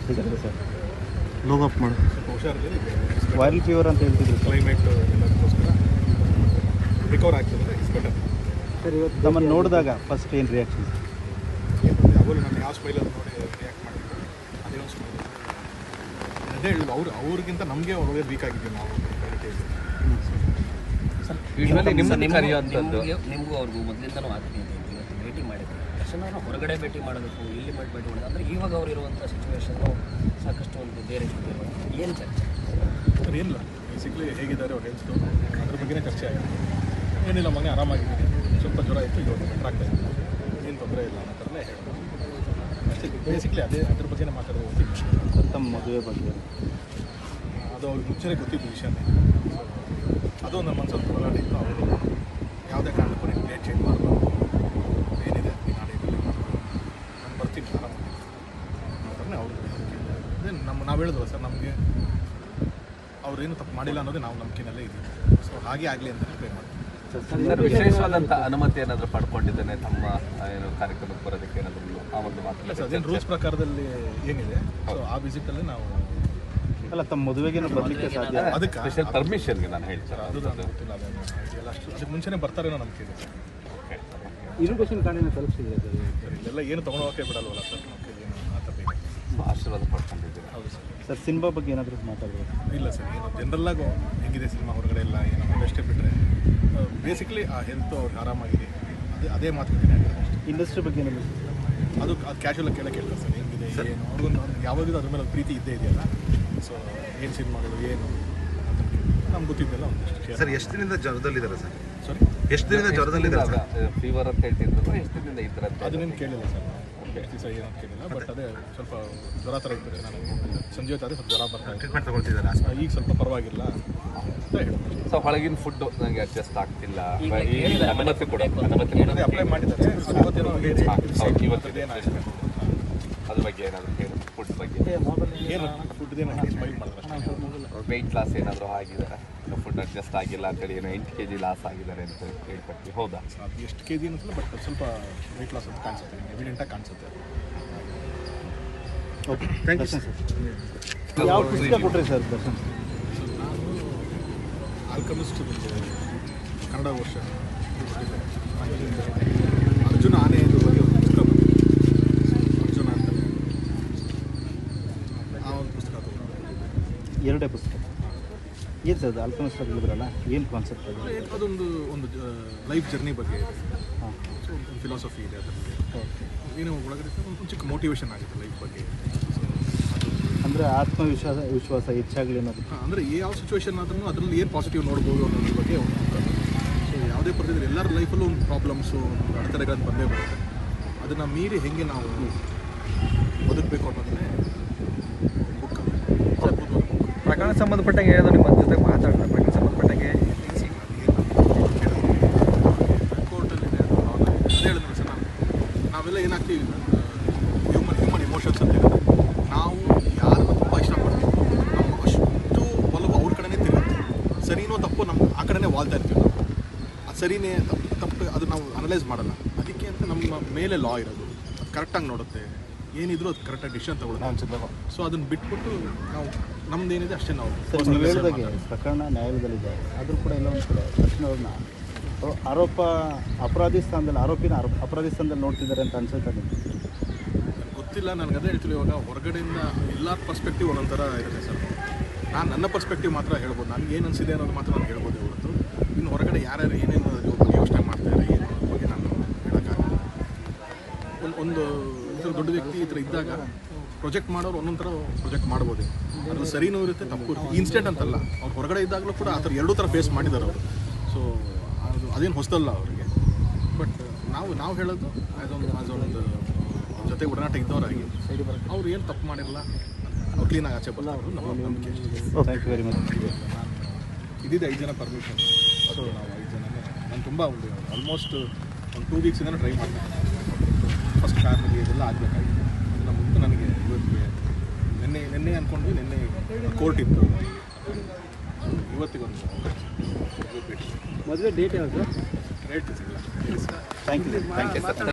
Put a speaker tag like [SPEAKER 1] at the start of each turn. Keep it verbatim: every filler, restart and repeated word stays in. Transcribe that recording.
[SPEAKER 1] ಇದ್ದಾರೆ sir low up ಮಾಡಿ
[SPEAKER 2] ಹುಷಾರಿದೆ.
[SPEAKER 1] Viral fever ಅಂತ ಹೇಳ್ತಿದ್ರು
[SPEAKER 2] ಕ್ಲೈಮೇಟ್ ಎಲ್ಲದಕ್ಕೋಸ್ಕರ ರಿಕವರ್ ಆಗ್ತದೆ. It's better
[SPEAKER 1] sir. ಇವತ್ತು ನಮ್ಮನ್ನು ನೋಡಿದಾಗ ಫಸ್ಟ್ ಏನು ರಿಯಾಕ್ಷನ್?
[SPEAKER 2] ಯಾವಾಗಲೂ ನಾನು ಯಾವ ಸ್ಮೈಲಲ್ಲಿ ನೋಡಿ ರಿಯಾಕ್ಟ್ ಮಾಡಿದ್ರು ಅದೇ ಒಂದು ಸ್ಮೈಲ್. ಅದೇ ಹೇಳುದು ಅವ್ರು ಅವ್ರಿಗಿಂತ ನಮಗೆ ಒಳ್ಳೆ ವೀಕ್ ಆಗಿದ್ದೀವಿ ನಾವು.
[SPEAKER 3] ಸರ್ ಯೂಶ್ವಲಿ ನಿಮ್ಮನ್ನು ಕರೆಯುವಂಥದ್ದು
[SPEAKER 4] ನಿಮಗೂ ಅವ್ರಿಗೂ ಮೊದಲಿಂದನೂ ಆಗ್ತೀನಿ ಇವತ್ತು ಭೇಟಿ ಮಾಡಿದ್ರು ತಕ್ಷಣ ಹೊರಗಡೆ ಭೇಟಿ ಮಾಡಬೇಕು ಇಲ್ಲಿ ಮಾಡಿ ಭೇಟಿ ಮಾಡೋದು ಅಂದರೆ ಇವಾಗ ಅವ್ರು ಇರುವಂಥ ಸಿಚುವೇಶನ್ನು ಸಾಕಷ್ಟು ಒಂದು ಬೇರೆ ಏನು ಚರ್ಚೆ
[SPEAKER 2] ಸರ್? ಏನಿಲ್ಲ, ಬೇಸಿಕ್ಲಿ ಹೇಗಿದ್ದಾರೆ ಅವ್ರು ಹೆಲ್ತು ಅದ್ರ ಬಗ್ಗೆನೇ ಚರ್ಚೆ ಆಗಿದೆ. ಏನಿಲ್ಲ ಮನೆ ಆರಾಮಾಗಿದ್ದೀನಿ, ಸ್ವಲ್ಪ ಜ್ವರ ಇತ್ತು, ಇವಾಗ ಬೆಟರ್ ಆಗ್ತಾ ಇತ್ತು, ಏನು ತೊಂದರೆ ಇಲ್ಲ ಅನ್ನೋ ಥರನೇ ಹೇಳ್ಬೋದು ಅಷ್ಟೇ. ಬೇಸಿಕ್ಲಿ ಅದೇ ಅದ್ರ ಬಗ್ಗೆನೇ ಮಾತಾಡೋದು ಹೋಗ್ತೀವಿ.
[SPEAKER 1] ತಮ್ಮ ಮದುವೆ ಬಗ್ಗೆ
[SPEAKER 2] ಅದು ಅವ್ರಿಗೆ ಮುಂಚೆನೇ ಗೊತ್ತಿದ್ದು ವಿಷಯನೇ. ಅದು ನಮ್ಮ ಮನಸ್ಸಲ್ಲಿ ಹೋರಾಡಿತ್ತು. ಅವರು ಯಾವುದೇ ಕಾರಣಕ್ಕೂ ನೀವು ಡೇಟ್ ಚೇಂಜ್ ಮಾಡಬಾರ್ದು, ಏನಿದೆ ಈ ನಾಡಿನಲ್ಲಿ ನಾನು ಬರ್ತೀನಿ ಆರಾಮಾಗಿ ಅನ್ನೋ ಅವರು. ಅದೇ ನಮ್ಮ ನಾವು ಹೇಳಿದ್ವಲ್ಲ ಸರ್, ನಮಗೆ ಅವ್ರೇನು ತಪ್ಪು ಮಾಡಿಲ್ಲ ಅನ್ನೋದೇ ನಾವು ನಂಬಿಕೆನಲ್ಲೇ ಇದ್ದೀವಿ. ಸೊ ಹಾಗೆ ಆಗಲಿ ಅಂತಲೇ ಪ್ರೇ ಮಾಡ್ತೀವಿ.
[SPEAKER 3] ಸರ್ ವಿಶೇಷವಾದಂಥ ಅನುಮತಿ ಏನಾದರೂ ಪಡ್ಕೊಂಡಿದ್ದೇನೆ ತಮ್ಮ ಏನು ಕಾರ್ಯಕ್ರಮಕ್ಕೆ ಬರೋದಕ್ಕೆ ಏನಾದರೂ ಆ ಒಂದು ಮಾತು?
[SPEAKER 2] ಸರ್ ಅದೇನು ರೂಲ್ಸ್ ಪ್ರಕಾರದಲ್ಲಿ ಏನಿದೆ ಸೊ ಆ ವಿಸಿಟಲ್ಲಿ ನಾವು
[SPEAKER 1] ಅಲ್ಲ ತಮ್ಮ ಮದುವೆಗೇನು ಬರಲಿಕ್ಕೆ ಸಾಧ್ಯ?
[SPEAKER 2] ಅದಕ್ಕೆ
[SPEAKER 3] ಸ್ಪೆಷಲ್ ಪರ್ಮಿಷನ್ಗೆ ನಾನು ಹೇಳ್ತೀನಿ.
[SPEAKER 2] ಅದು ನನಗೆ ಗೊತ್ತಿಲ್ಲ, ಅದೇನು ಎಲ್ಲ ಅಷ್ಟು ಅದಕ್ಕೆ ಮುಂಚೆನೇ ಬರ್ತಾರೇನೋ ನಂಬಿಕೆ ಇದೆ.
[SPEAKER 1] ಇರುಗೇಷನ್ ಕಾರ್ಡಿನ ತಲುಪಿಸಿದೆ
[SPEAKER 2] ಸರ್ ಇಲ್ಲೆಲ್ಲ ಏನು ತೊಗೊಂಡೋಗಕ್ಕೆ ಬಿಡಲ್ವಲ್ಲ ಸರ್, ನಮಗೆ ಏನು ಆ ಥರ ಬೇಕು.
[SPEAKER 3] ಆಶೀರ್ವಾದ ಪಡ್ಕೊಂಡಿದ್ದೀವಿ.
[SPEAKER 2] ಹೌದು ಸರ್.
[SPEAKER 1] ಸರ್ ಸಿನಿಮಾ ಬಗ್ಗೆ ಏನಾದರೂ ಮಾತಾಡ್ಬೋದು?
[SPEAKER 2] ಇಲ್ಲ ಸರ್, ಏನು ಜನರಲ್ಲಾಗೋ ಹೆಂಗಿದೆ ಸಿನಿಮಾ ಹೊರಗಡೆ ಎಲ್ಲ ಏನೋ ಅಷ್ಟೇ ಬಿಟ್ಟರೆ ಬೇಸಿಕ್ಲಿ ಆ ಹೆಲ್ತು ಅವ್ರಿಗೆ ಆರಾಮಾಗಿದೆ, ಅದೇ ಅದೇ ಮಾತುಕತೆ.
[SPEAKER 1] ಇಂಡಸ್ಟ್ರಿ ಬಗ್ಗೆ ಏನಾದರೂ
[SPEAKER 2] ಅದು ಅದು ಕ್ಯಾಶುವಲ್ ಕೇಳ ಕೇಳ್ತಾರೆ ಸರ್, ಹೆಂಗಿದೆ ಏನು ಅವ್ರಿಗೊಂದು ಯಾವಾಗಲೂ ಅದ್ರ ಮೇಲೆ ಪ್ರೀತಿ ಇದ್ದೇ ಇದೆಯಲ್ಲ. ಸೊ ಏನು ಸಿನಿಮಾಗಳು ಏನು ನಮ್ಗೆ ಗೊತ್ತಿದ್ದೆಲ್ಲ ಒಂದಷ್ಟು.
[SPEAKER 5] ಸರ್ ಎಷ್ಟು ದಿನದಿಂದ ಜ್ವರದಲ್ಲಿದ್ದಾರೆ ಸರ್?
[SPEAKER 2] ಸಾರಿ,
[SPEAKER 5] ಎಷ್ಟು ದಿನದಿಂದ ಜ್ವರದಲ್ಲಿದ್ದಾರೆ?
[SPEAKER 3] ಫೀವರ್ ಅಂತ ಹೇಳ್ತಿದ್ರು, ಎಷ್ಟು ದಿನದಿಂದ ಇದ್ರೆ
[SPEAKER 2] ಅದನ್ನೇನು ಕೇಳಿಲ್ಲ ಸರ್, ಎಷ್ಟು ದಿವಸ ಏನು ಅಂತ ಕೇಳಿಲ್ಲ. ಬಟ್ ಅದೇ ಸ್ವಲ್ಪ ಜ್ವರ ಥರ ಇರ್ತದೆ. ನಾನು ಸಂಜೆ ಹೊತ್ತಾದರೆ ಸ್ವಲ್ಪ ಜ್ವರ ಬರ್ತಾ
[SPEAKER 5] ಟ್ರೀಟ್ಮೆಂಟ್ ತಗೊಳ್ತಿದ್ದಾರೆ,
[SPEAKER 2] ಈಗ ಸ್ವಲ್ಪ ಪರವಾಗಿಲ್ಲ ಅಂತ ಹೇಳ್ಬೋದು.
[SPEAKER 3] ಸೊ ಹೊಳಗಿನ ಫುಡ್ಡು ನನಗೆ ಅಡ್ಜಸ್ಟ್ ಆಗ್ತಿಲ್ಲ, ಅನುಮತಿ ಕೊಡ ಅನುಮತಿ
[SPEAKER 2] ಅದೇ ಅಪ್ಲೈ ಮಾಡಿದ್ದಾರೆ. ಇವತ್ತೇನೋ ಇವತ್ತಿದೇನು
[SPEAKER 3] ಅದ್ರ ಬಗ್ಗೆ ಏನಾದರೂ ಹೇಳಿ, ಫುಡ್ ಬಗ್ಗೆ
[SPEAKER 2] ಏನು ಫುಡ್ದೇನು ಸ್ಮೈಲ್ ಮಾಡಿದ್ರೆ
[SPEAKER 3] ವೆಯ್ಟ್ ಲಾಸ್ ಏನಾದರೂ ಆಗಿದ್ದಾರೆ, ಫುಡ್ ಅಡ್ಜಸ್ಟ್ ಆಗಿಲ್ಲ ಅಂತೇಳಿ ಏನೋ ಎಂಟು ಕೆ ಜಿ ಲಾಸ್ ಆಗಿದ್ದಾರೆ ಅಂತ ಹೇಳ್ಕೊಡ್ತೀವಿ. ಹೌದಾ?
[SPEAKER 2] ಅದು ಎಷ್ಟು ಕೆ ಜಿ ಅನ್ನಿಸಲ್ಲ, ಬಟ್ ಸ್ವಲ್ಪ ವೆಯ್ಟ್ ಲಾಸ್ ಅಂತ ಕಾಣಿಸುತ್ತೆ, ಎವಿಡೆಂಟಾಗಿ ಕಾಣಿಸುತ್ತೆ.
[SPEAKER 1] Okay, thank you sir. ಯಾವ ಪುಸ್ತಕ ಕೊಟ್ಟರೆ ಸರ್ ದರ್ಶನ್?
[SPEAKER 2] ಸೊ ನಾನು ಆಲ್ಕಮಿಸ್ಟ್ ಕನ್ನಡ ವರ್ಷ ಅರ್ಜುನ ಆನೆಯದು ಬಗ್ಗೆ ಒಂದು ಪುಸ್ತಕ ಬಂದಿದೆ, ಅರ್ಜುನ ಅಂತ ಆ ಒಂದು ಪುಸ್ತಕ ತಗೊಂಡು.
[SPEAKER 1] ಎರಡೇ ಪುಸ್ತಕ ಏನು ಸರ್? ಅದು ಆಲ್ಕಮಿಸ್ಟ್ ಹೇಳಿದ್ರಲ್ಲ, ಏನು ಕಾನ್ಸೆಪ್ಟ್ ಅದು?
[SPEAKER 2] ಅದೊಂದು ಒಂದು ಲೈಫ್ ಜರ್ನಿ ಬಗ್ಗೆ ಇದೆ.
[SPEAKER 1] ಹಾಂ,
[SPEAKER 2] ಸೊ ಒಂದು ಫಿಲಾಸಫಿ ಇದೆ ಅದರಲ್ಲಿ. ಏನೋ ಒಳಗಡೆ ಒಂದು ಚಿಕ್ಕ ಮೋಟಿವೇಶನ್ ಆಗುತ್ತೆ ಲೈಫ್ ಬಗ್ಗೆ.
[SPEAKER 1] ಅಂದರೆ ಆತ್ಮವಿಶ್ವಾಸ ವಿಶ್ವಾಸ ಹೆಚ್ಚಾಗಲಿ ಅನ್ನೋದು.
[SPEAKER 2] ಅಂದರೆ ಯಾವ ಸಿಚುವೇಶನ್ ಆದ್ರೂ ಅದರಲ್ಲಿ ಏನು ಪಾಸಿಟಿವ್ ನೋಡ್ಬೋದು ಅನ್ನೋದ್ರ ಬಗ್ಗೆ ಒಂದು ಸೊ ಯಾವುದೇ ಪರಿಸ್ಥಿತಿ ಎಲ್ಲರ ಲೈಫಲ್ಲೂ ಒಂದು ಪ್ರಾಬ್ಲಮ್ಸು, ಒಂದು ಅಡೆತಡೆಗಳನ್ನು ಬಂದೇ ಬರುತ್ತೆ. ಅದನ್ನು ಮೀರಿ ಹೆಂಗೆ ನಾವು ಬದುಕಬೇಕು ಅನ್ನೋದನ್ನೇ ಬುಕ್.
[SPEAKER 4] ಪ್ರಕರಣ ಸಂಬಂಧಪಟ್ಟಂಗೆ ಏನಾದರೂ ನಿಮ್ಮ ಜೊತೆ ಮಾತಾಡೋಣ? ಪ್ರಕರಣ ಸಂಬಂಧಪಟ್ಟಂಗೆ
[SPEAKER 2] ಕೋರ್ಟಲ್ಲಿದೆ ಅದು ಅದೇ ಹೇಳಿದ್ರೆ ಸರ್, ನಾನು ನಾವೆಲ್ಲ ಏನಾಗ್ತೀವಿ, ಹ್ಯೂಮನ್ ಹ್ಯೂಮನ್ ಇಮೋಷನ್ಸ್ ಅಂತ ಹೇಳಿದ್ರೆ ನಾವು ಯಾರನ್ನು ತುಂಬ ಇಷ್ಟಪಡ್ತೀವಿ, ನಮ್ಮ ಅಷ್ಟು ಒಲವು ಅವ್ರ ಕಡೆನೇ ತಿರುಗುತ್ತೆ. ಸರಿನೋ ತಪ್ಪು ನಮ್ಮ ಆ ಕಡೆನೇ ವಾಲ್ತಾ ಇರ್ತೀವಿ ನಾವು. ಅದು ಸರಿನೇ ತಪ್ಪು ತಪ್ಪು ಅದು ನಾವು ಅನಲೈಸ್ ಮಾಡಲ್ಲ. ಅದಕ್ಕೆ ಅಂತ ನಮ್ಮ ಮೇಲೆ ಲಾ ಇರೋದು, ಅದು ಕರೆಕ್ಟಾಗಿ ನೋಡುತ್ತೆ, ಏನಿದ್ರು ಅದು ಕರೆಕ್ಟಾಗಿ ಡಿಸಿಷನ್ ತಗೊಳ್ಳೋದು. ಸೊ ಅದನ್ನು ಬಿಟ್ಬಿಟ್ಟು ನಾವು ನಮ್ದೇನಿದೆ ಅಷ್ಟೇ ನಾವು.
[SPEAKER 1] ಸರ್ ನೀವು ಹೇಳಿದಾಗೆ ಪ್ರಕರಣ ನ್ಯಾಯಾಲಯದಲ್ಲಿದೆ, ಆದರೂ ಕೂಡ ಎಲ್ಲ ಒಂದು ಕಡೆ ದರ್ಶನ್ ಅವ್ರನ್ನ ಆರೋಪ ಅಪರಾಧಿ ಸ್ಥಾನದಲ್ಲಿ ಆರೋಪಿನ ಆರೋಪ ಅಪರಾಧಿ ಸ್ಥಾನದಲ್ಲಿ ನೋಡ್ತಿದ್ದಾರೆ ಅಂತ ಅನ್ಸುತ್ತೆ ನಿಮಗೆ?
[SPEAKER 2] ಗೊತ್ತಿಲ್ಲ, ನನಗೆ ಅದೇ ಹೇಳ್ತೀವಿ. ಇವಾಗ ಹೊರಗಡೆಯಿಂದ ಎಲ್ಲ ಪರ್ಸ್ಪೆಕ್ಟಿವ್ ಒಂದೊಂಥರ ಇರುತ್ತೆ ಸರ್. ನಾನು ನನ್ನ ಪರ್ಸ್ಪೆಕ್ಟಿವ್ ಮಾತ್ರ ಹೇಳ್ಬೋದು, ನನಗೆ ಏನು ಅನಿಸಿದೆ ಅನ್ನೋದು ಮಾತ್ರ ನಾನು ಹೇಳ್ಬೋದು ಹೊರತು ಇನ್ನು ಹೊರಗಡೆ ಯಾರ್ಯಾರು ಏನೇನು ಯೋಚನೆ ಮಾಡ್ತಾರೆ ಏನು ಅದ್ರ ಬಗ್ಗೆ ನಾನು ಹೇಳೋಕ್ಕಾಗಲ್ಲ. ಒಂದು ಒಂದು ಈ ಥರ ದೊಡ್ಡ ವ್ಯಕ್ತಿ ಈ ಥರ ಇದ್ದಾಗ ಪ್ರೊಜೆಕ್ಟ್ ಮಾಡೋರು ಒಂದೊಂದು ಥರ ಪ್ರೊಜೆಕ್ಟ್ ಮಾಡ್ಬೋದು. ಅದ್ರಲ್ಲಿ ಸರಿನೂ ಇರುತ್ತೆ, ತಪ್ಪು ಇರುತ್ತೆ. ಇನ್ಸ್ಟೆಂಟ್ ಅಂತಲ್ಲ, ಅವ್ರು ಹೊರಗಡೆ ಇದ್ದಾಗಲೂ ಕೂಡ ಆ ಥರ ಎರಡೂ ಥರ ಫೇಸ್ ಮಾಡಿದ್ದಾರೆ ಅವರು. ಸೊ ಅದು ಅದೇನು ಹೊಸದಲ್ಲ ಅವರಿಗೆ. ಬಟ್ ನಾವು ನಾವು ಹೇಳೋದು ಆ್ಯಸ್ ಒಂದು ಆ್ಯಸ್ ಒಂದು ಜೊತೆ ಒಡನಾಟ ಇದ್ದವರಾಗಿ ಅವ್ರು ಏನು ತಪ್ಪು ಮಾಡಿರಲ್ಲ, ಅವ್ರು ಕ್ಲೀನಾಗಿ ಆಚೆ ಬರೋದು ನಮ್ಮ ನಂಬಿಕೆ.
[SPEAKER 1] Thank you very much.
[SPEAKER 2] ನಾನು ಇದ್ದಿದ್ದು ಐದು ಜನ ಪರ್ಮಿಷನ್. ಸೊ ನಾವು ಐದು ಜನನೇ ನಾನು ತುಂಬ ಒಂದು ಆಲ್ಮೋಸ್ಟ್ ಒಂದು ಟೂ ವೀಕ್ಸಿಂದ ಟ್ರೈ ಮಾಡ್ತೀನಿ. ಫಸ್ಟ್ ಫ್ಯಾಮಿಲಿ ಇದೆಲ್ಲ ಆಗಬೇಕಾಗಿತ್ತು. ಅದನ್ನು ಮುಂದೆ ನನಗೆ ಇವತ್ತಿಗೆ ನಿನ್ನೆ ನಿನ್ನೆ ಅಂದ್ಕೊಂಡ್ವಿ, ನಿನ್ನೆ ಕೋರ್ಟ್ ಇತ್ತು, ಇವತ್ತಿಗೊಂದು
[SPEAKER 1] ಮದುವೆ ಡೇಟ್ ಯಾವುದು?
[SPEAKER 2] ರೇಟ್ ಸಿಗಲ್ಲ.
[SPEAKER 1] Thank you thank you sir.